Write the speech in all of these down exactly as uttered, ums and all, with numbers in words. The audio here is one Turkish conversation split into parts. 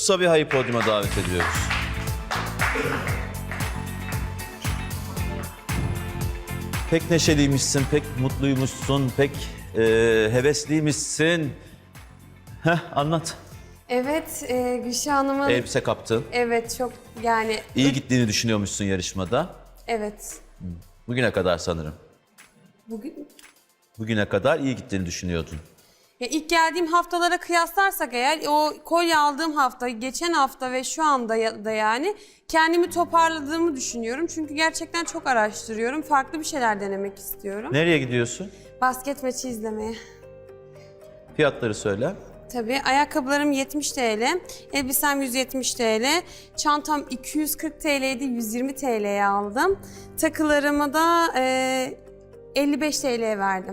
Sabiha'yı podyuma davet ediyoruz. Pek neşeliymişsin, pek mutluymuşsun, pek e, hevesliymişsin. Heh, anlat. Evet, e, Gülşah Hanım'ın... Elbise kaptın. Evet, çok yani... İyi gittiğini düşünüyormuşsun yarışmada. Evet. Bugüne kadar sanırım. Bugün... Bugüne kadar iyi gittiğini düşünüyordun. Ya ilk geldiğim haftalara kıyaslarsak eğer, o kolye aldığım hafta, geçen hafta ve şu anda ya- da yani kendimi toparladığımı düşünüyorum. Çünkü gerçekten çok araştırıyorum. Farklı bir şeyler denemek istiyorum. Nereye gidiyorsun? Basket maçı izlemeye. Fiyatları söyle. Tabii. Ayakkabılarım yetmiş TL, elbisem yüz yetmiş TL, çantam iki yüz kırk TL'ydi, yüz yirmi TL'ye aldım. Takılarımı da e, elli beş TL'ye verdim.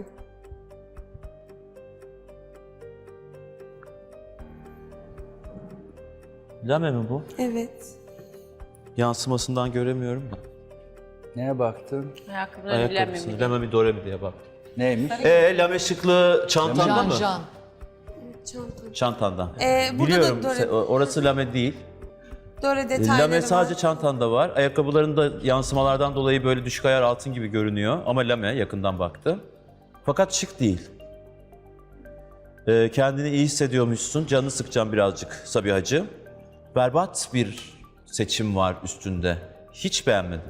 Lame mi bu? Evet. Yansımasından göremiyorum da. Neye baktın? Ayakkabıları Ayakkabısını, bilemem. lame mi dore mi diye baktım. Neymiş? Ee, lame şıklı çantanda Can mı? Can. Çantam. Çantanda. Ee, burada Biliyorum, da dore, se- orası lame değil. dore detayları Lame var. sadece çantanda var. Ayakkabıların da yansımalardan dolayı böyle düşük ayar altın gibi görünüyor. Ama lame yakından baktım. Fakat şık değil. Ee, kendini iyi hissediyormuşsun. Canını sıkacağım birazcık Sabihacığım. Berbat bir seçim var üstünde. Hiç beğenmedim.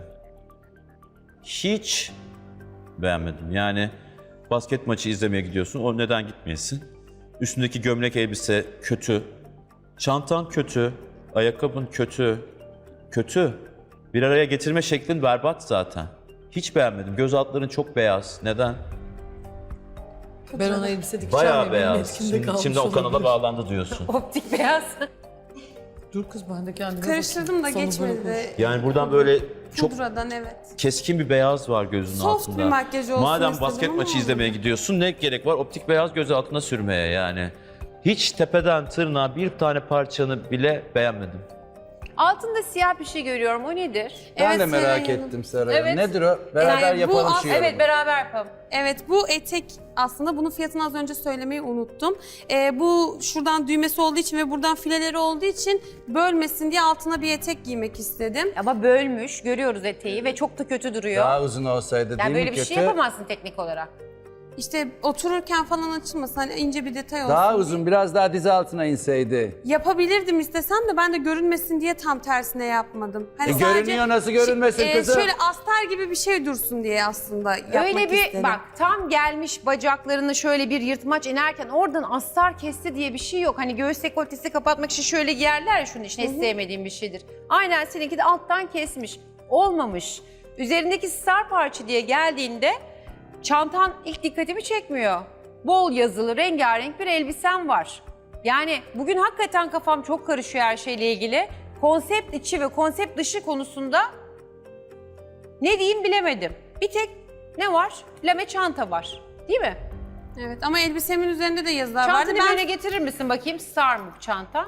Hiç beğenmedim. Yani basket maçı izlemeye gidiyorsun. O neden gitmeyesin? Üstündeki gömlek elbise kötü. Çantan kötü. Ayakkabın kötü. Kötü. Bir araya getirme şeklin berbat zaten. Hiç beğenmedim. Göz altların çok beyaz. Neden? Ben ona elbise dikeceğim. Bayağı ya, benim beyaz. etkimde Şimdi, kalmış şimdi o kanala olabilir. bağlandı diyorsun. Optik beyaz. Dur kız ben de kendime Karıştırdım da bakayım. Sana böyle geçmedi. Yani buradan böyle çok Pudradan evet. keskin bir beyaz var gözünün Soft altında. bir makyaj olsun Madem istedim basket ama maçı olmadı. izlemeye gidiyorsun ne gerek var optik beyaz göz altına sürmeye yani. Hiç tepeden tırnağa bir tane parçanı bile beğenmedim. Altında siyah bir şey görüyorum. O nedir? Ben Evet, de merak Seray Hanım. ettim Seray Hanım. Evet. Nedir o? Beraber Yani bu yapalım as- şu yorumu. Evet, beraber yapalım. Evet, bu etek aslında bunun fiyatını az önce söylemeyi unuttum. Ee, bu şuradan düğmesi olduğu için ve buradan fileleri olduğu için bölmesin diye altına bir etek giymek istedim. Ama bölmüş, görüyoruz eteği ve çok da kötü duruyor. Daha uzun olsaydı yani değil böyle mi bir kötü? şey yapamazsın teknik olarak. İşte otururken falan açılmasın, hani ince bir detay olsun. Daha diye. uzun, biraz daha dizi altına inseydi. Yapabilirdim istesem de ben de görünmesin diye tam tersine yapmadım. Hani E, sadece görünüyor, nasıl görünmesin şey- e, kızım? Şöyle astar gibi bir şey dursun diye aslında yapmak Öyle bir istedim. bak tam gelmiş bacaklarını şöyle bir yırtmaç inerken oradan astar kesti diye bir şey yok. Hani göğüs dekoltesi kapatmak için şöyle giyerler ya şunun için hiç sevmediğim bir şeydir. Aynen seninki de alttan kesmiş. Olmamış. Üzerindeki star parça diye geldiğinde çantan ilk dikkatimi çekmiyor. Bol yazılı, rengarenk bir elbisen var. Yani bugün hakikaten kafam çok karışıyor her şeyle ilgili. Konsept içi ve konsept dışı konusunda ne diyeyim bilemedim. Bir tek ne var? Lame çanta var. Değil mi? Evet ama elbisemin üzerinde de yazılar vardı. Çantanı Ben böyle getirir misin bakayım? Star mı çanta?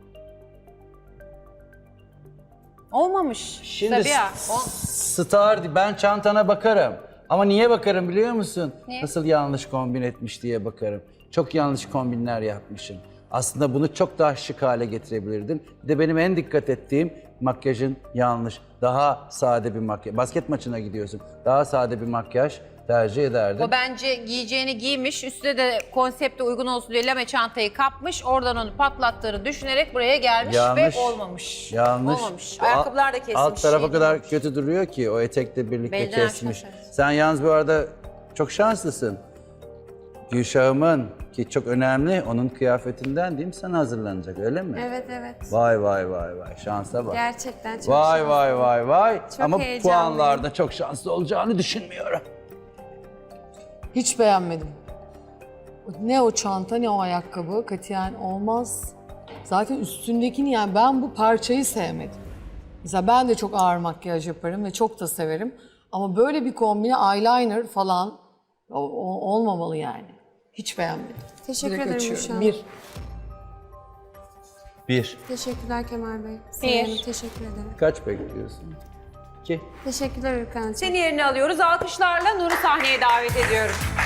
Olmamış. Şimdi Sabiha. s- O... star, ben çantana bakarım. Ama niye bakarım biliyor musun? Niye? Nasıl yanlış kombin etmiş diye bakarım. Çok yanlış kombinler yapmışsın. Aslında bunu çok daha şık hale getirebilirdin. Bir de benim en dikkat ettiğim makyajın yanlış. Daha sade bir makyaj. Basket maçına gidiyorsun. Daha sade bir makyaj tercih ederdim. O bence giyeceğini giymiş, üstüne de konsepte uygun olsun diye lame çantayı kapmış, oradan onu patlattığını düşünerek buraya gelmiş Yanlış. ve olmamış. Yanlış. Olmamış. O Ayakkabılar da kesmiş. Alt tarafa şey kadar değilmiş. kötü duruyor ki o etekle birlikte Belden kesmiş. aşağı evet. Sen yalnız bu arada çok şanslısın. Gülşah'ımın ki çok önemli onun kıyafetinden değil mi sana hazırlanacak öyle mi? evet evet. Vay vay vay vay şansa bak. Gerçekten çok Vay şanslı. vay vay vay. Ama heyecanlıyım. puanlarda çok şanslı olacağını düşünmüyorum. Hiç beğenmedim. Ne o çanta ne o ayakkabı katiyen olmaz. Zaten üstündekini yani ben bu parçayı sevmedim. Mesela ben de çok ağır makyaj yaparım ve çok da severim. Ama böyle bir kombine eyeliner falan o- o- olmamalı yani. Hiç beğenmedim. Teşekkür Direkt ederim açıyorum. Gülşah. Bir. Bir. Teşekkürler Kemal Bey. Bir. Seray Hanım, teşekkür ederim. Kaç bekliyorsun? İki. Teşekkürler Ürkan'cığım. Seni yerine alıyoruz. Alkışlarla Nur'u sahneye davet ediyorum.